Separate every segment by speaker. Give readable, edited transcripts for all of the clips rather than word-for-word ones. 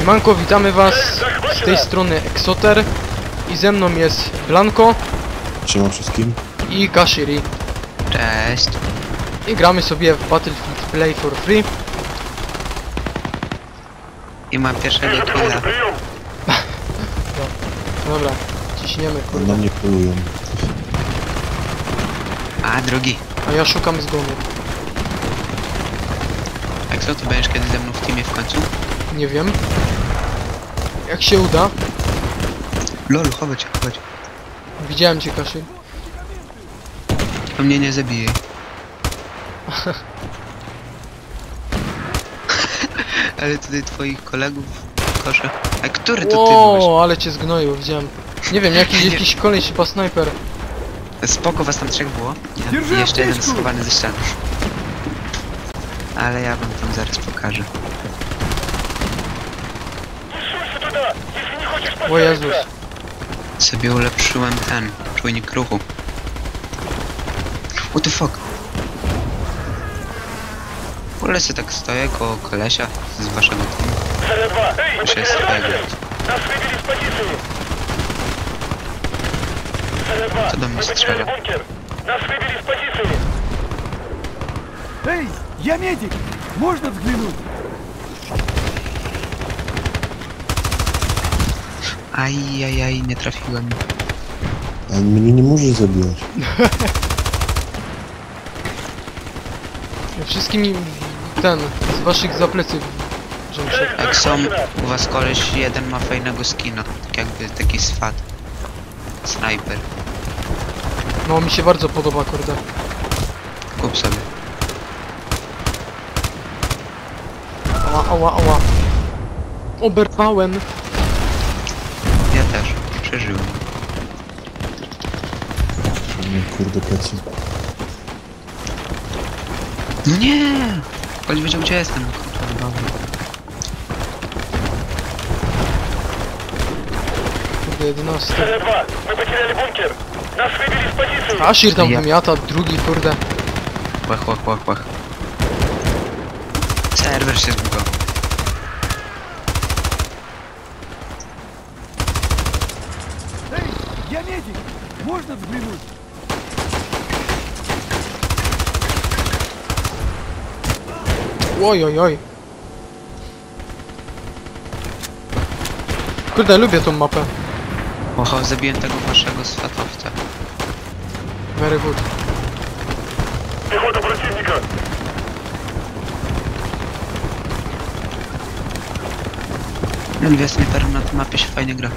Speaker 1: Siemanko, witamy was z tej strony Exoter i ze mną jest Blanco.
Speaker 2: Siema wszystkim.
Speaker 1: I Kashiri.
Speaker 3: Cześć.
Speaker 1: I gramy sobie w Battlefield Play for Free.
Speaker 3: I mam pierwszego killa.
Speaker 1: Dobra, ciśniemy,
Speaker 2: Na
Speaker 1: kurde.
Speaker 2: mnie polują.
Speaker 3: A drugi.
Speaker 1: A ja szukam zgonu.
Speaker 3: Jak co, to będziesz kiedyś ze mną w teamie w końcu?
Speaker 1: Nie wiem. Jak się uda.
Speaker 3: Lol, chodź.
Speaker 1: Widziałem cię, Kashiri.
Speaker 3: To mnie nie zabije. Ale tutaj twoich kolegów koszę. A który to ty byłeś?
Speaker 1: O, ale cię zgnoił, widziałem. Nie wiem, jakiś koleś chyba snajper.
Speaker 3: Spoko, was tam trzech było. I jeszcze jeden schowany ze ściany. Ale ja wam tam zaraz pokażę.
Speaker 1: O Jezus.
Speaker 3: Sobie ulepszyłem ten czujnik ruchu. What the fuck? W ogóle sobie tak stoję koło kolesia z waszego teamu. Muszę jest twojego. Co do mnie strzela?
Speaker 4: Эй, я медик! Можно взглянуть?
Speaker 3: Ajajaj, nie trafiłem.
Speaker 2: A mnie nie możesz zabijać.
Speaker 1: Wszystkimi ten, z waszych zapleców.
Speaker 3: Jak są u was koleś, jeden ma fajnego skina. Tak jakby taki swat. Snajper.
Speaker 1: No, mi się bardzo podoba, kurde.
Speaker 3: Kup sobie.
Speaker 1: Ała. Oberwałem.
Speaker 3: Ja też. Przeżyłem.
Speaker 2: Nie, kurde plecy.
Speaker 3: No nie! Koleś wiedział gdzie jestem.
Speaker 1: Kurde, 11. Ashir tam wymiata, drugi, kurde.
Speaker 3: Łach. Serwer się zbugował.
Speaker 4: Эй, я медик! Можно взглянуть?
Speaker 1: Oj. Kurde, lubię tą mapę.
Speaker 3: Oho, zabiłem tego waszego swatowca.
Speaker 1: Very good.
Speaker 3: No dwie snajpery na tej mapie się fajnie gra.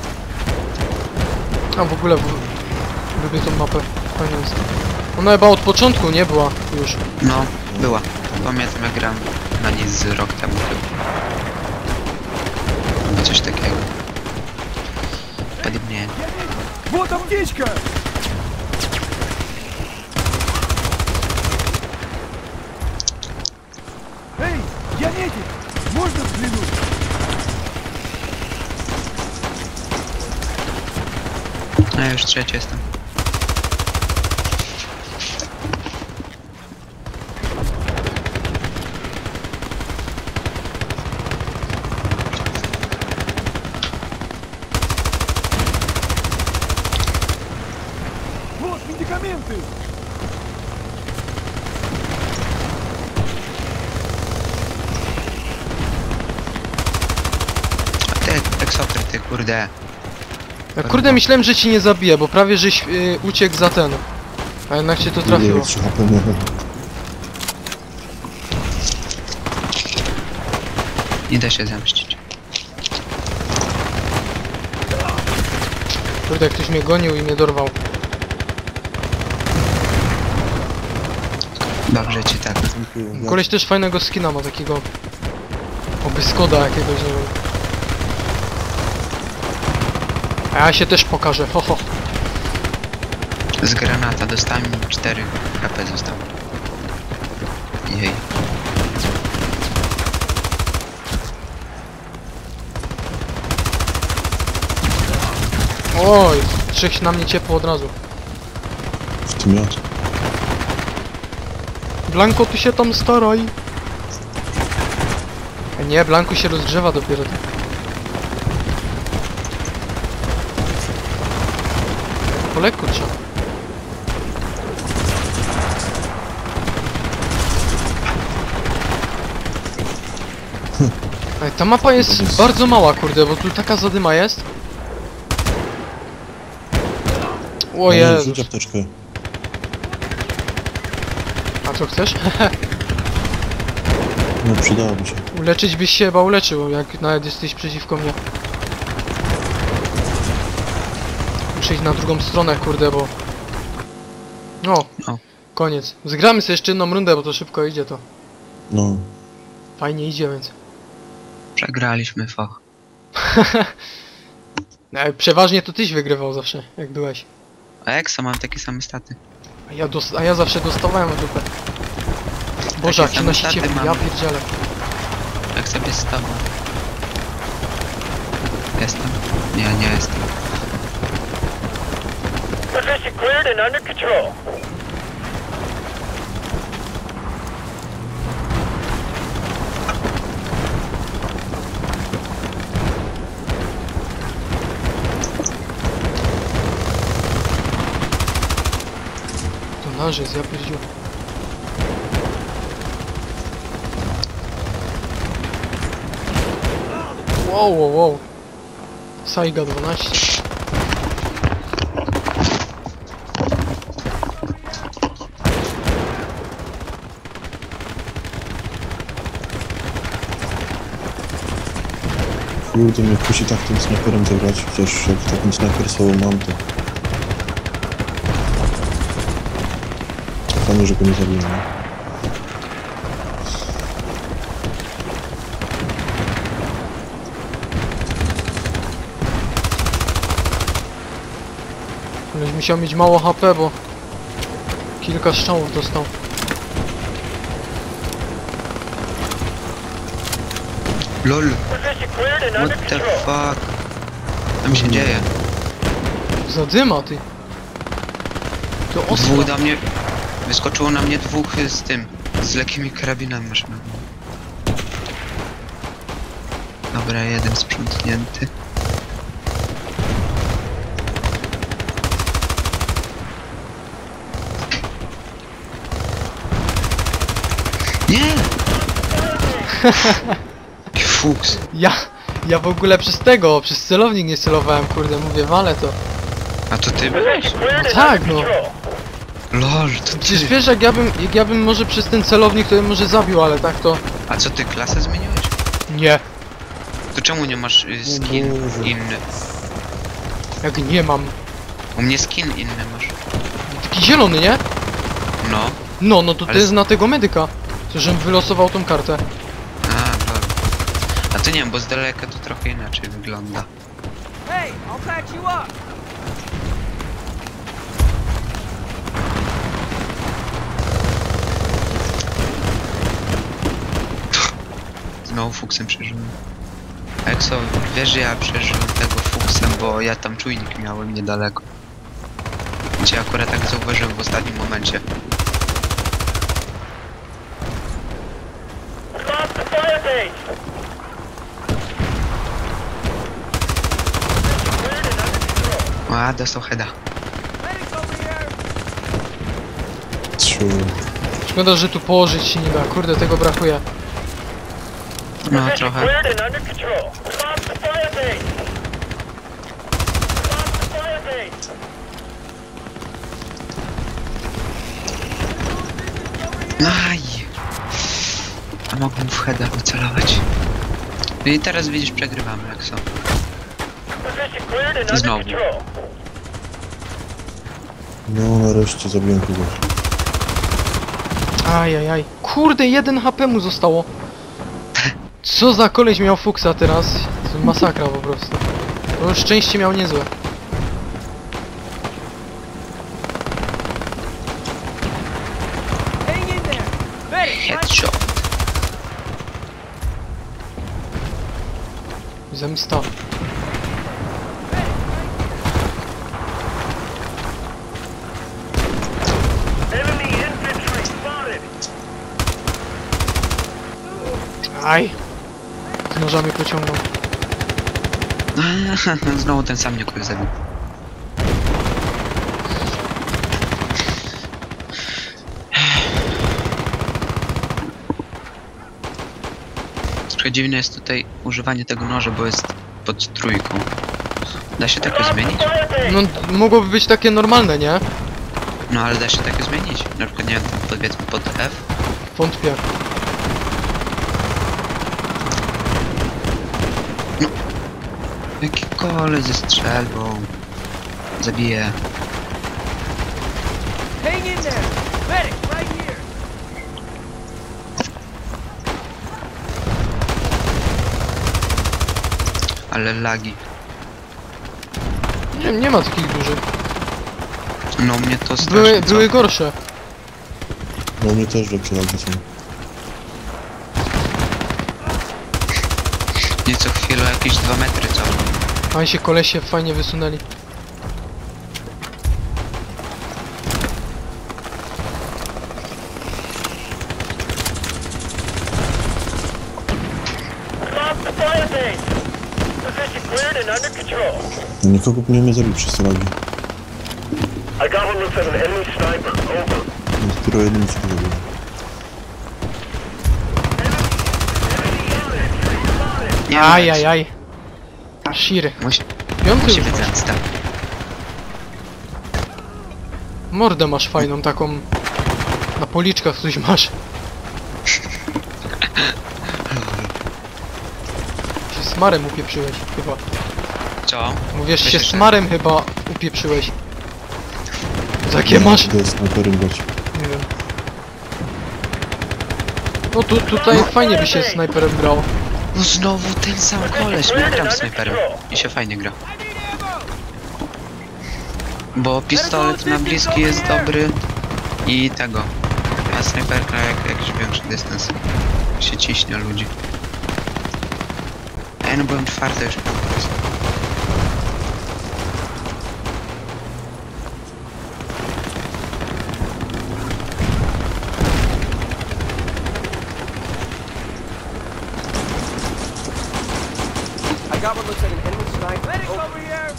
Speaker 1: A w ogóle lubię tą mapę. Fajnie jest. Ona chyba od początku nie była już.
Speaker 3: No, była. Pamiętam jak grałem na niej z rok temu chyba. Albo coś takiego. Podobnie.
Speaker 4: Вот аптечка! Эй, я медик! Можно взглянуть?
Speaker 3: A ja już trzeci jestem.
Speaker 4: Вот медикаменты!
Speaker 3: A ty, Exoter, ty kurde.
Speaker 1: Ja, kurde, myślałem, że ci nie zabiję, bo prawie żeś uciekł za ten. A jednak cię to
Speaker 2: Nie,
Speaker 1: trafiło.
Speaker 2: 3 HP miałem.
Speaker 3: Nie da się zemścić.
Speaker 1: Kurde, ktoś mnie gonił i mnie dorwał.
Speaker 3: Dobrze ci tak.
Speaker 1: Koleś też fajnego skina ma, takiego... Oby Skoda jakiegoś, nie wiem. A ja się też pokażę, ho.
Speaker 3: Z granata dostałem 4 HP zostało. Jej.
Speaker 1: Oj, trzech na mnie ciepło od razu.
Speaker 2: W tym ja.
Speaker 1: Blanco, ty się tam staraj. A nie, Blanku się rozgrzewa dopiero. Po lekku trzeba. Ej, ta mapa jest bardzo mała, kurde, bo tu taka zadyma jest. O
Speaker 2: No,
Speaker 1: Jezus.
Speaker 2: rzuć apteczkę.
Speaker 1: A co chcesz?
Speaker 2: No, przydałoby się.
Speaker 1: Uleczyć byś się chyba uleczył, jak nawet jesteś przeciwko mnie. Muszę iść na drugą stronę, kurde, bo... No,
Speaker 3: O.
Speaker 1: koniec. Zgramy sobie jeszcze jedną rundę, bo to szybko idzie to.
Speaker 2: No.
Speaker 1: Fajnie idzie, więc...
Speaker 3: Przegraliśmy fach.
Speaker 1: Przeważnie to tyś wygrywał zawsze, jak byłeś.
Speaker 3: A Exo mam takie same staty.
Speaker 1: A ja zawsze dostawałem w dupę. Boże, jak się
Speaker 3: same
Speaker 1: nosicie,
Speaker 3: staty
Speaker 1: ja
Speaker 3: mamy.
Speaker 1: pierdzielę.
Speaker 3: Jak sobie z tobą. Jestem? Nie, nie jestem.
Speaker 4: Position cleared and under control.
Speaker 1: To nasz jest, ja pierdziu. Wow, wow, wow. Saiga 12.
Speaker 2: Kurde, mnie kusi tak tym snajperem zagrać, chociaż jak takim snajper solo mam, to... Fajnie, że go nie zabiłem, nie?
Speaker 1: Koleś musiał mieć mało HP, bo... Kilka strzałów dostał.
Speaker 3: LOL!
Speaker 4: Position cleared and under
Speaker 3: What the
Speaker 4: control.
Speaker 3: fuck? Tam się dzieje.
Speaker 1: Zadyma, ty. To ostro.
Speaker 3: Dwóch do mnie... Wyskoczyło na mnie dwóch z tym. Z lekkimi karabinami maszynowymi. Dobra, jeden sprzątnięty. Nie! Jaki fuks.
Speaker 1: Ja w ogóle przez celownik nie celowałem, kurde, mówię, wale to.
Speaker 3: A to ty byłeś?
Speaker 4: Position cleared and
Speaker 1: tak,
Speaker 4: under
Speaker 1: no.
Speaker 4: control.
Speaker 3: LOL, to
Speaker 1: Przecież
Speaker 3: ty.
Speaker 1: wiesz, jak ja bym może przez ten celownik, to bym może zabił, ale tak to...
Speaker 3: A co ty, klasę zmieniłeś?
Speaker 1: Nie.
Speaker 3: To czemu nie masz skin
Speaker 2: Boże.
Speaker 3: inny?
Speaker 1: Jak nie mam.
Speaker 3: U mnie skin inny masz.
Speaker 1: Taki zielony, nie?
Speaker 3: No.
Speaker 1: No to to
Speaker 3: Ale
Speaker 1: jest na tego medyka. Co, żebym wylosował tą kartę.
Speaker 3: A, lol. A to nie wiem, bo z daleka to trochę inaczej wygląda.
Speaker 4: Hey, I'll patch you up.
Speaker 3: Znowu fuksem przeżyłem. Exo, wiesz, że ja przeżyłem tego fuksem, bo ja tam czujnik miałem niedaleko. Cię akurat tak zauważyłem w ostatnim momencie.
Speaker 4: Stop the fire base. Position cleared and under control.
Speaker 3: A, dostał heada.
Speaker 4: Medics over here.
Speaker 2: Trzy.
Speaker 1: Szkoda, że tu położyć się nie da. Kurde, tego brakuje.
Speaker 3: No,
Speaker 4: Position
Speaker 3: trochę.
Speaker 4: cleared and under control. Stop the fire base. Stop the fire base.
Speaker 3: Aj! A mogłem w heada wycelować. No i teraz widzisz, przegrywamy, Exo.
Speaker 4: Position cleared and under
Speaker 3: Znowu.
Speaker 4: control.
Speaker 2: No, nareszcie zabiłem kogoś.
Speaker 1: Ajajaj. Kurde, 1 HP mu zostało. Co za koleś miał fuksa teraz? To masakra po prostu. To już szczęście miał niezłe.
Speaker 4: Hang in there. Medics,
Speaker 3: Headshot.
Speaker 1: Zemsta.
Speaker 4: enemy infantry spotted.
Speaker 1: Aj. nożami pociągną.
Speaker 3: Znowu ten sam mnie kogoś zabił. Trochę dziwne jest tutaj używanie tego noża, bo jest pod trójką. Da się takie zmienić?
Speaker 1: No, mogłoby być takie normalne, nie?
Speaker 3: No ale da się takie zmienić. Na przykład nie wiem, powiedzmy pod F.
Speaker 1: Wątpię.
Speaker 3: Jaki kole ze strzelbą. Zabiję.
Speaker 4: Hang in there! Medic, right here!
Speaker 3: Ale lagi.
Speaker 1: Nie ma takich dużych.
Speaker 3: No mnie to strasznie
Speaker 1: Były gorsze.
Speaker 2: No mnie też lepsze lagi są.
Speaker 3: Nie co chwilę jakieś 2 metry cofną.
Speaker 1: A się kolesie fajnie wysunęli.
Speaker 2: Nikogo nie mnie zabił przez te lagi.
Speaker 5: I got one looks at an enemy sniper. Over.
Speaker 2: Dopiero jeden się zabił.
Speaker 3: Nie
Speaker 1: Ajajaj. Shir. Piąty
Speaker 3: Musi
Speaker 1: już
Speaker 3: być
Speaker 1: masz.
Speaker 3: zemsta.
Speaker 1: Mordę masz fajną, taką... Na policzkach coś masz. Się smarem upieprzyłeś chyba.
Speaker 3: Co?
Speaker 1: Mówisz, się
Speaker 3: Myślę, że-
Speaker 1: smarem chyba upieprzyłeś. Takie masz...
Speaker 2: To jest snajperem grać.
Speaker 1: Nie wiem. No tutaj fajnie by się snajperem grało.
Speaker 3: No znowu ten sam koleś, ja gram snajperem i się fajnie gra. Bo pistolet na bliski jest dobry i tego. A snajperka jak jakiś większy dystans się ciśnie ludzi. Ej, no byłem czwarty już.
Speaker 4: I got one looks at an enemy sniper. Medic over here!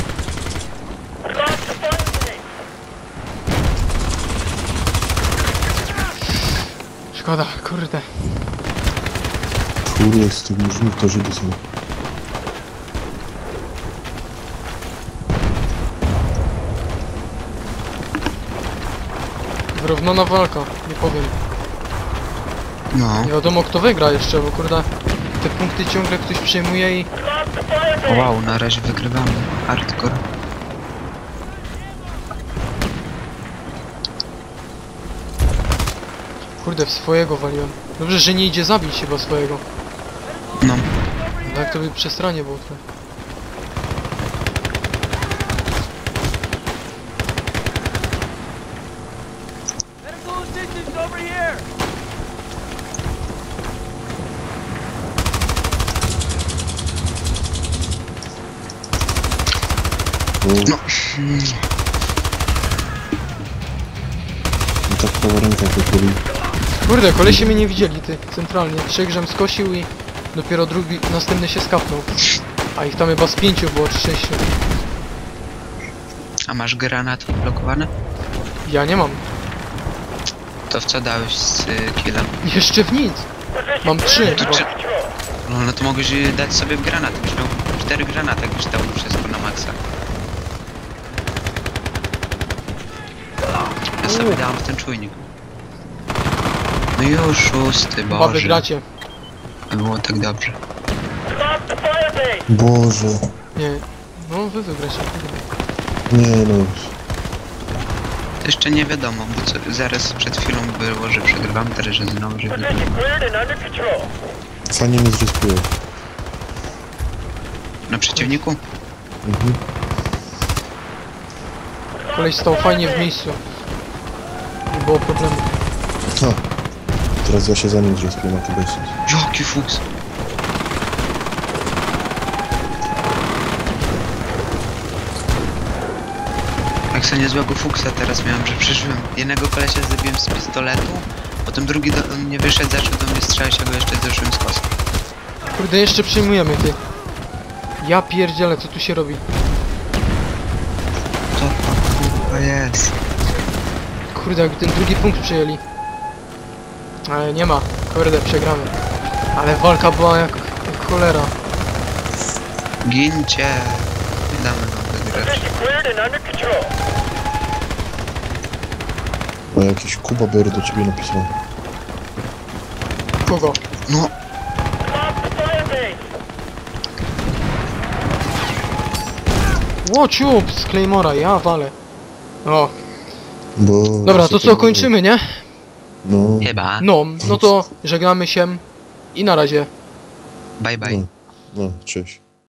Speaker 1: Szkoda, kurde.
Speaker 2: Kurde, z tych murzynów to Żydy są.
Speaker 1: Wyrównana walka, nie powiem.
Speaker 3: No.
Speaker 1: Nie wiadomo kto wygra jeszcze, bo kurde... Te punkty ciągle ktoś przejmuje i...
Speaker 3: O, wow, na razie wygrywamy. Hardcore.
Speaker 1: Kurde, w swojego waliłem. Dobrze, że nie idzie zabić chyba swojego.
Speaker 3: No.
Speaker 1: Tak to by przestranie było trochę.
Speaker 4: Medical assistance over here!
Speaker 2: No. I tak prawa ręka to boli.
Speaker 1: Kurde, kolesie mnie nie widzieli, ty, centralnie. 3 grzem skosił i dopiero drugi, następny się skapnął. A ich tam chyba z 5 było, czy 6.
Speaker 3: A masz granat blokowany?
Speaker 1: Ja nie mam.
Speaker 3: To w co dałeś z killem?
Speaker 1: Jeszcze w nic. Mam 3
Speaker 3: To
Speaker 1: chyba.
Speaker 3: czy... No to mogłeś dać sobie w granat. Byś miał 4 granaty, jakbyś dał wszystko na maksa. Ja sobie dałem w ten czujnik. No już 6,
Speaker 1: Chyba
Speaker 3: Boże.
Speaker 1: wygracie.
Speaker 3: Było tak dobrze.
Speaker 2: Boże.
Speaker 1: Nie. No, wy wygracie.
Speaker 2: Nie no.
Speaker 3: To jeszcze nie wiadomo, bo co, zaraz przed chwilą było, że przegrywamy, teraz że znowu, że wygrywamy.
Speaker 2: Fajnie mnie zrespiło.
Speaker 3: Na przeciwniku?
Speaker 2: Mhm.
Speaker 1: Koleś stał fajnie w miejscu. Nie było problemu.
Speaker 2: Ha. Teraz ja się za nim zrespiłem, a to bez sensu.
Speaker 3: Jaki fuks! Jak sobie niezłego fuksa teraz miałem, że przeżyłem. Jednego kolesia zabiłem z pistoletu, potem drugi do mnie wyszedł, zaczął do mnie strzelać, a go jeszcze zderzyłem z kosą.
Speaker 1: Kurde, jeszcze przyjmujemy, ty. Ja pierdzielę, co tu się robi?
Speaker 3: Co to kurwa jest?
Speaker 1: Kurde, jakby ten drugi punkt przejęli. Ale nie ma. Kurde, przegramy. Ale walka była jak cholera.
Speaker 3: Gincie! Nie damy nam wygrać.
Speaker 5: Position cleared and under control.
Speaker 2: A jakiś Kuba Bear do ciebie napisał.
Speaker 1: Kogo?
Speaker 3: No,
Speaker 5: Lost the fire base.
Speaker 1: Łociup z Claymora, ja walę. O,
Speaker 2: Bo...
Speaker 1: dobra, to co, kończymy, nie?
Speaker 2: No,
Speaker 3: chyba.
Speaker 1: No to żegnamy się i na razie.
Speaker 3: Bye bye.
Speaker 2: no, cześć.